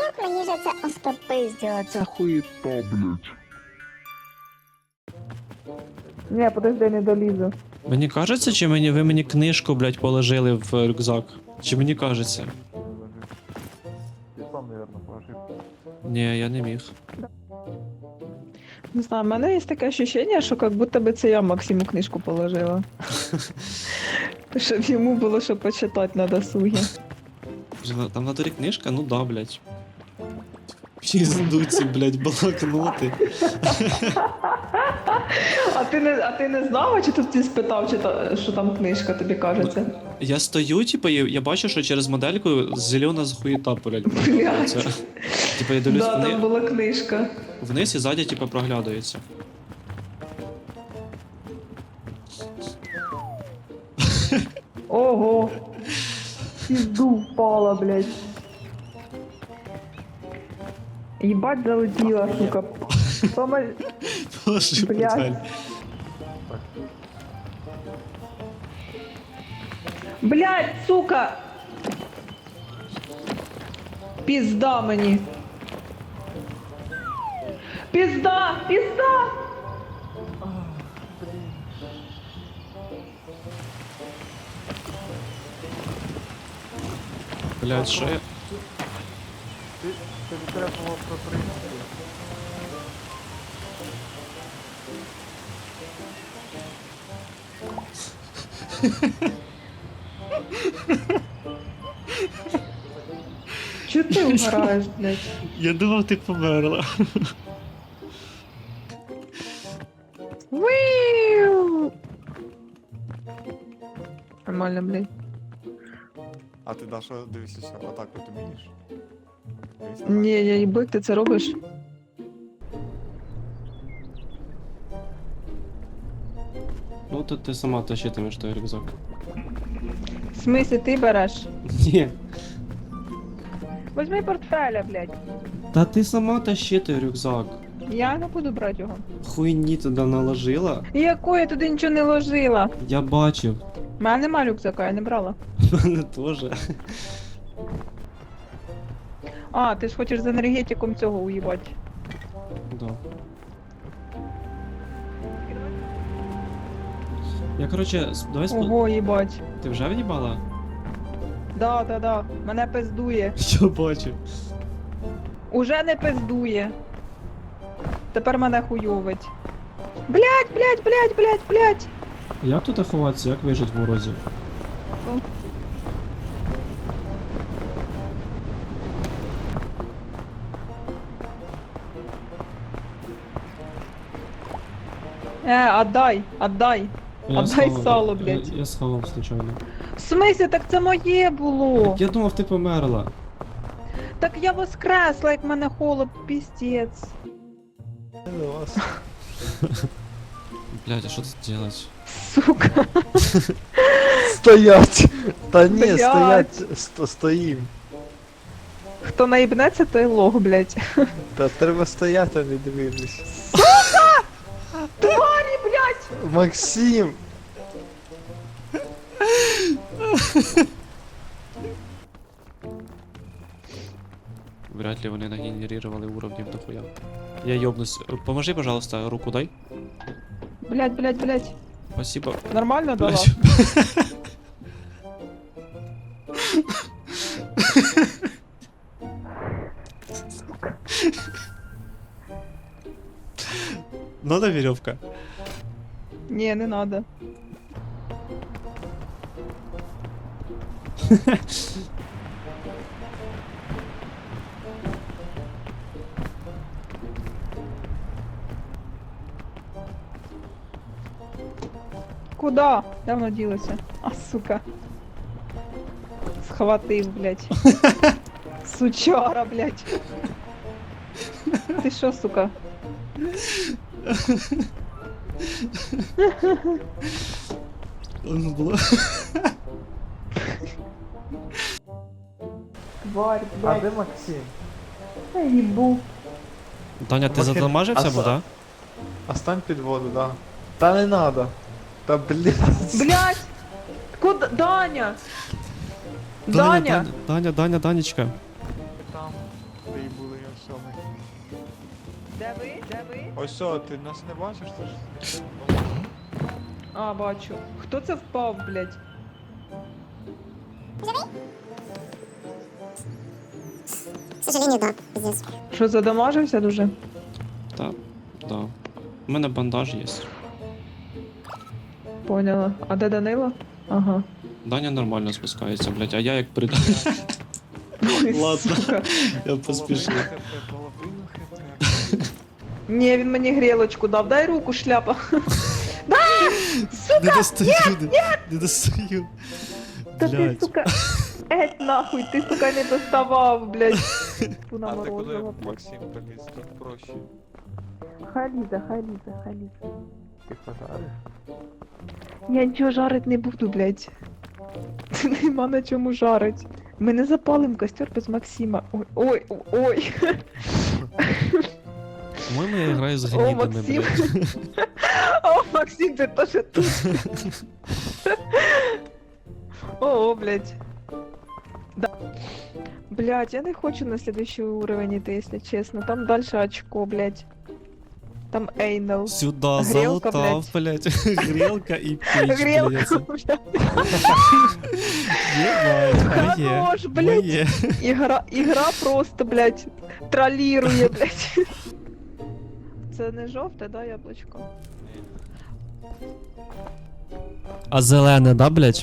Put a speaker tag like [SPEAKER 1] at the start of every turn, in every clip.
[SPEAKER 1] мені же це остопизділо цю
[SPEAKER 2] Хуета, блядь.
[SPEAKER 3] Ні, подожди, не долізу.
[SPEAKER 4] Мені кажеться, чи ви мені книжку, блядь, положили в рюкзак? Чи мені кажеться?
[SPEAKER 5] Ты сам, наверное, положил.
[SPEAKER 4] Ні, я не міг.
[SPEAKER 3] Не знаю, в мене є таке ощущення, що як будто би це я Максиму книжку положила. Щоб йому було що почитати на досугі.
[SPEAKER 4] Там на дворі книжка? Ну да, блядь. Піздуці, блядь, блокноти.
[SPEAKER 3] А ти не знала, чи тут ти спитав, що там книжка, тобі кажеться?
[SPEAKER 4] Я стою, типу, я бачу, що через модельку зелена захуєта, блядь,
[SPEAKER 3] Блядь.
[SPEAKER 4] проглядається. Типу, я дивлюсь
[SPEAKER 3] Да, там була книжка.
[SPEAKER 4] вниз і ззаді, типу, проглядається.
[SPEAKER 3] Ого! Пізду впала, блядь. Єбать залетіла, сука. Сама...
[SPEAKER 4] Положи
[SPEAKER 3] Блядь.
[SPEAKER 4] портфель.
[SPEAKER 3] Блядь, сука! Пізда мені. Пізда! Пізда!
[SPEAKER 4] Блядь, що я...
[SPEAKER 5] Тобі треба було проприйти.
[SPEAKER 3] Чого ти вгораєш, блядь?
[SPEAKER 4] Я думав, ти померла.
[SPEAKER 3] Виу! Нормально, блядь.
[SPEAKER 5] А ти, Даша, дивишся, отак от вмієш? Дивись,
[SPEAKER 3] Ні, я їбик, ти це робиш?
[SPEAKER 4] Ну, то ти сама тащитимеш той рюкзак.
[SPEAKER 3] В смислі ти береш?
[SPEAKER 4] Ні.
[SPEAKER 3] Возьми портфеля, блядь.
[SPEAKER 4] Та ти сама тащи той рюкзак.
[SPEAKER 3] Я не буду брати його.
[SPEAKER 4] Хуйні туди наложила.
[SPEAKER 3] Якої я туди нічого не ложила?
[SPEAKER 4] Я бачив.
[SPEAKER 3] У мене нема рюкзака, я не брала.
[SPEAKER 4] В мене теж.
[SPEAKER 3] А, ти ж хочеш з енергетиком цього уїбати.
[SPEAKER 4] Да. Я, короче, давай
[SPEAKER 3] Ого, їбать.
[SPEAKER 4] Ти вже в'їбала?
[SPEAKER 3] Да. Мене пиздує.
[SPEAKER 4] Я бачу.
[SPEAKER 3] Уже не пиздує. Тепер мене хуйовить. Блять.
[SPEAKER 4] Як тут ховатися, як вижити в морозі?
[SPEAKER 3] Отдай.
[SPEAKER 4] Я
[SPEAKER 3] Отдай
[SPEAKER 4] схавав,
[SPEAKER 3] сало, блядь.
[SPEAKER 4] Я схавав случайно.
[SPEAKER 3] В смислі, так це моє було.
[SPEAKER 4] Я думав, ти померла.
[SPEAKER 3] Так я воскресла, як мене холод, піздець.
[SPEAKER 4] Блядь, а що тут делать?
[SPEAKER 3] Сука.
[SPEAKER 5] Стоять! Та ні,
[SPEAKER 3] Блядь.
[SPEAKER 5] стоять, стоїм.
[SPEAKER 3] Хто наїбнеться, той лох, блядь.
[SPEAKER 5] Та треба стояти, а не дивитись.
[SPEAKER 3] Тварі, блядь!
[SPEAKER 5] Максим!
[SPEAKER 4] Вряд ли вони нагенерировали уровнів дохуя. Я ёбнусь. Поможи, пожалуйста, руку дай.
[SPEAKER 3] Блядь.
[SPEAKER 4] Спасибо.
[SPEAKER 3] Нормально дала?
[SPEAKER 4] Блядь. Надо веревка.
[SPEAKER 3] Ні, не надо. Куда? Давно ділося. А, сука. Схватив, блядь. Сучара, блядь. Ти що, сука?
[SPEAKER 4] Було.
[SPEAKER 3] Тварь,
[SPEAKER 5] А
[SPEAKER 3] блядь.
[SPEAKER 5] де Максим?
[SPEAKER 3] Я їбу.
[SPEAKER 4] Таня, ти
[SPEAKER 5] Максим,
[SPEAKER 4] задамажився,
[SPEAKER 5] а
[SPEAKER 4] бо, да?
[SPEAKER 5] А стань під воду, да. Та не надо. Та блядь.
[SPEAKER 3] Блядь! Куда? Даня! Даня!
[SPEAKER 4] Данечка.
[SPEAKER 5] Там. Ти Ось що, ти нас не бачиш? Ти ж...
[SPEAKER 3] А, бачу. Хто це впав, блядь?
[SPEAKER 1] К сожалению, да, пиздец.
[SPEAKER 3] Що, задамажився дуже?
[SPEAKER 4] Та, да. У мене бандаж є.
[SPEAKER 3] Поняла. А де Данило? Ага.
[SPEAKER 4] Даня нормально спускається, блядь, а я як прид...
[SPEAKER 3] Ой,
[SPEAKER 4] Ладно.
[SPEAKER 3] сука.
[SPEAKER 4] Я поспішив.
[SPEAKER 5] Половину хп.
[SPEAKER 3] Ні, він мені грілочку дав. Дай руку, шляпа.
[SPEAKER 4] Не достаю, не достаю.
[SPEAKER 3] Та ти,
[SPEAKER 4] Блядь.
[SPEAKER 3] сука. Еть нахуй, ти, сука, не доставав, блядь. Ту
[SPEAKER 5] А ти куди,
[SPEAKER 3] наморозила, блядь.
[SPEAKER 5] Максим, поліз? Тут проще.
[SPEAKER 3] Хай лізе, хай лізе, хай лізе.
[SPEAKER 5] Ти пожариш?
[SPEAKER 3] Я нічого жарить не буду, блядь. Нема на чому жарить. Ми не запалим костер без Максима. Ой, ой, ой.
[SPEAKER 4] По-моєму, я граю з
[SPEAKER 3] О,
[SPEAKER 4] гнідами,
[SPEAKER 3] Максим.
[SPEAKER 4] блядь.
[SPEAKER 3] О, Максим, ти теж тут. О, блядь. Да. Блядь, я не хочу на следующий уровень идти, если честно. Там дальше очко, блядь. Там Эйнел.
[SPEAKER 4] Сюда
[SPEAKER 3] Грілка,
[SPEAKER 4] залутав, блядь. Грілка і піч,
[SPEAKER 3] Грелка,
[SPEAKER 4] блядь.
[SPEAKER 3] блядь.
[SPEAKER 4] Єбать, моє,
[SPEAKER 3] Хорош, блядь.
[SPEAKER 4] моє.
[SPEAKER 3] Игра просто, блядь, троллирує, блядь. Це не жовте, да, яблучко?
[SPEAKER 4] А зелене, да, блядь?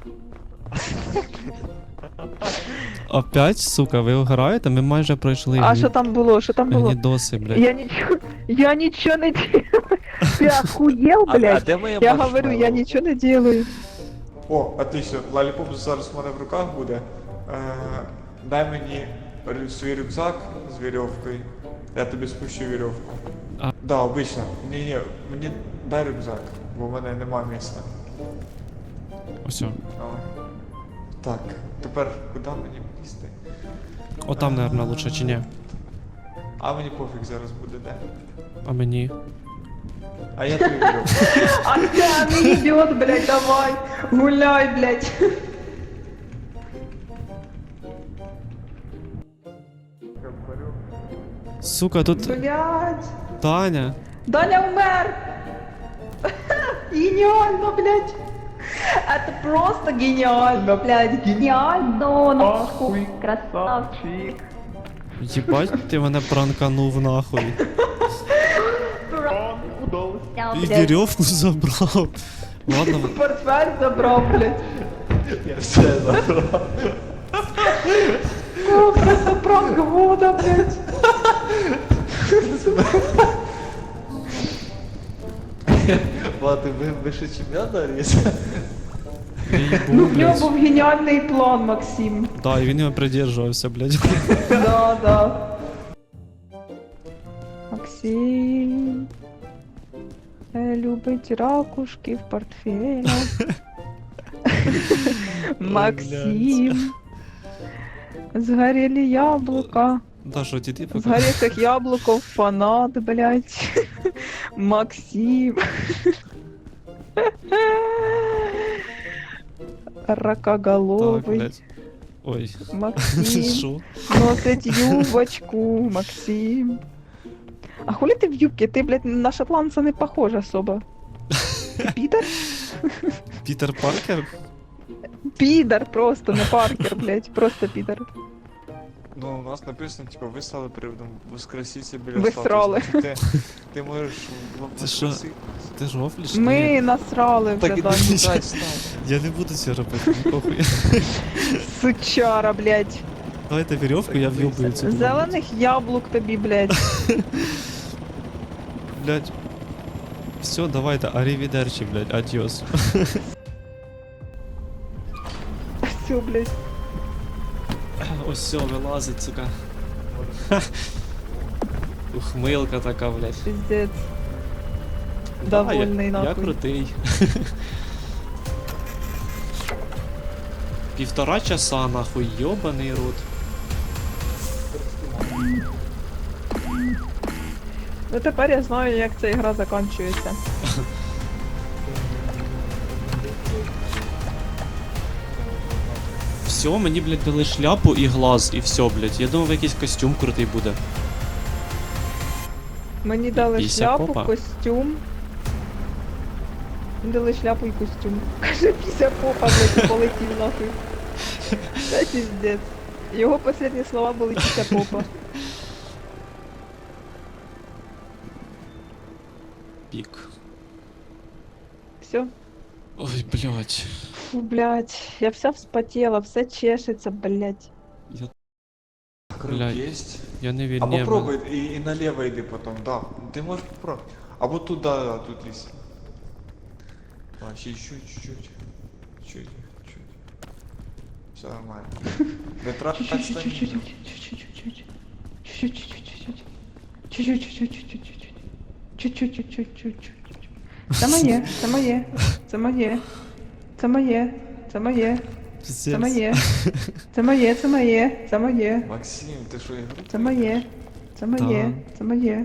[SPEAKER 4] Опять, сука, ви граєте? Ми майже пройшли.
[SPEAKER 3] А що там було? Що там було?
[SPEAKER 4] Гнідоси, блядь.
[SPEAKER 3] Я ничего не делаю. Ты охуел, блядь?
[SPEAKER 5] де моя
[SPEAKER 3] Я говорю, я ничего не делаю.
[SPEAKER 5] О, отлично. Лаліпоп зараз в мене в руках буде. Дай мені свій рюкзак з вірьовкою. Я тобі спущу вірьовку.
[SPEAKER 4] А-
[SPEAKER 5] Да, обично. Ні, мені дай рюкзак, бо в мене нема місця.
[SPEAKER 4] Ось.
[SPEAKER 5] Давай. Так, тепер куди мені лізти?
[SPEAKER 4] Отам, наверное, лучше, чи ні?
[SPEAKER 5] А мені пофіг зараз буде де.
[SPEAKER 4] А мені?
[SPEAKER 5] А я тобі вірьовку.
[SPEAKER 3] А не идет, блядь, давай. Гуляй, блядь.
[SPEAKER 4] Сука, тут
[SPEAKER 3] Блядь.
[SPEAKER 4] Таня.
[SPEAKER 3] Даня умер. Гениально, блядь. Это просто гениально, блядь. Гениально. Нахуй. Красавчик.
[SPEAKER 4] Єбать, ти мене пранканув нахуй. І
[SPEAKER 3] Блядь.
[SPEAKER 4] вірьовку забрав. Ладно,
[SPEAKER 3] Портфель забрал, блядь.
[SPEAKER 5] Я все забрав.
[SPEAKER 3] О, просто пранк года, блядь.
[SPEAKER 5] Ладно, ви ще чемпіонат Аріс?
[SPEAKER 3] Ну, в нього
[SPEAKER 4] блядь.
[SPEAKER 3] був геніальний план, Максим.
[SPEAKER 4] Да, і він його придержувався, блядь.
[SPEAKER 3] Да, да. Максим любить ракушки в портфелях. Максим. Сгорели яблока.
[SPEAKER 4] Да, що ти
[SPEAKER 3] С
[SPEAKER 4] пока?
[SPEAKER 3] горевших яблоков фанат, блядь. Максим.
[SPEAKER 4] Так,
[SPEAKER 3] Ракоголовый.
[SPEAKER 4] блядь. Ой,
[SPEAKER 3] Максим.
[SPEAKER 4] що?
[SPEAKER 3] Носить юбочку, Максим. А хули ты в юбке? Ты, блядь, на шотландца не похож особо. Ты пидор?
[SPEAKER 4] Пітер Паркер?
[SPEAKER 5] Пидор
[SPEAKER 3] Просто, не Паркер, блядь, просто пидор.
[SPEAKER 5] Ну, у нас написано, типа, ви стали приводом воскресіться біля
[SPEAKER 3] Ви
[SPEAKER 5] статуї.
[SPEAKER 3] срали.
[SPEAKER 5] Значить, ти можеш
[SPEAKER 4] Це що?
[SPEAKER 5] воскресити.
[SPEAKER 4] Ти ж рофліш?
[SPEAKER 3] Ми
[SPEAKER 4] Ні.
[SPEAKER 3] насрали вже,
[SPEAKER 5] Так,
[SPEAKER 3] Даню.
[SPEAKER 5] іди сюди, став.
[SPEAKER 4] Я не буду цього робити, ну, похуй.
[SPEAKER 3] Сучара, блядь.
[SPEAKER 4] Давайте вірьовку, я в'юбую цю.
[SPEAKER 3] Зелених яблук тобі, блядь.
[SPEAKER 4] Блядь. Все, давайте, арівідерчі, блядь, адіос.
[SPEAKER 3] Все, блядь.
[SPEAKER 4] Ось все, вилазить, сука. Ухмилка така, блядь.
[SPEAKER 3] Пиздец.
[SPEAKER 4] Да,
[SPEAKER 3] Довольний,
[SPEAKER 4] я
[SPEAKER 3] нахуй.
[SPEAKER 4] крутий. 1,5 часа, нахуй, йобаний рот.
[SPEAKER 3] Ну тепер я знаю, як ця гра закінчується.
[SPEAKER 4] Все, мені, блядь, дали шляпу і глаз, і все, блядь. Я думав, якийсь костюм крутий буде.
[SPEAKER 3] Мені дали
[SPEAKER 4] Піся
[SPEAKER 3] шляпу,
[SPEAKER 4] попа?
[SPEAKER 3] костюм. Мені дали шляпу і костюм. Каже, піся попа, блядь, і полетів нахуй. Це піздець. Його останні слова були піся попа.
[SPEAKER 4] Пік.
[SPEAKER 3] Все.
[SPEAKER 4] Ой, блядь.
[SPEAKER 3] Фу, блядь, я вся вспотела, все чешется, блядь.
[SPEAKER 4] Я,
[SPEAKER 5] Крюк
[SPEAKER 4] Блядь.
[SPEAKER 5] есть?
[SPEAKER 4] я не
[SPEAKER 5] А
[SPEAKER 4] вільні.
[SPEAKER 5] попробуй и налево иди потом, да. Ты можешь попробовать. А вот туда, да, тут есть. А, еще чуть-чуть. Чуть-чуть. Все нормально. Не трать стамину.
[SPEAKER 3] Це моє, це моє, це моє, це моє, це моє, це моє, це моє, це моє, це моє,
[SPEAKER 5] Максим, ты что, игру?
[SPEAKER 3] це моє, це моє, це моє.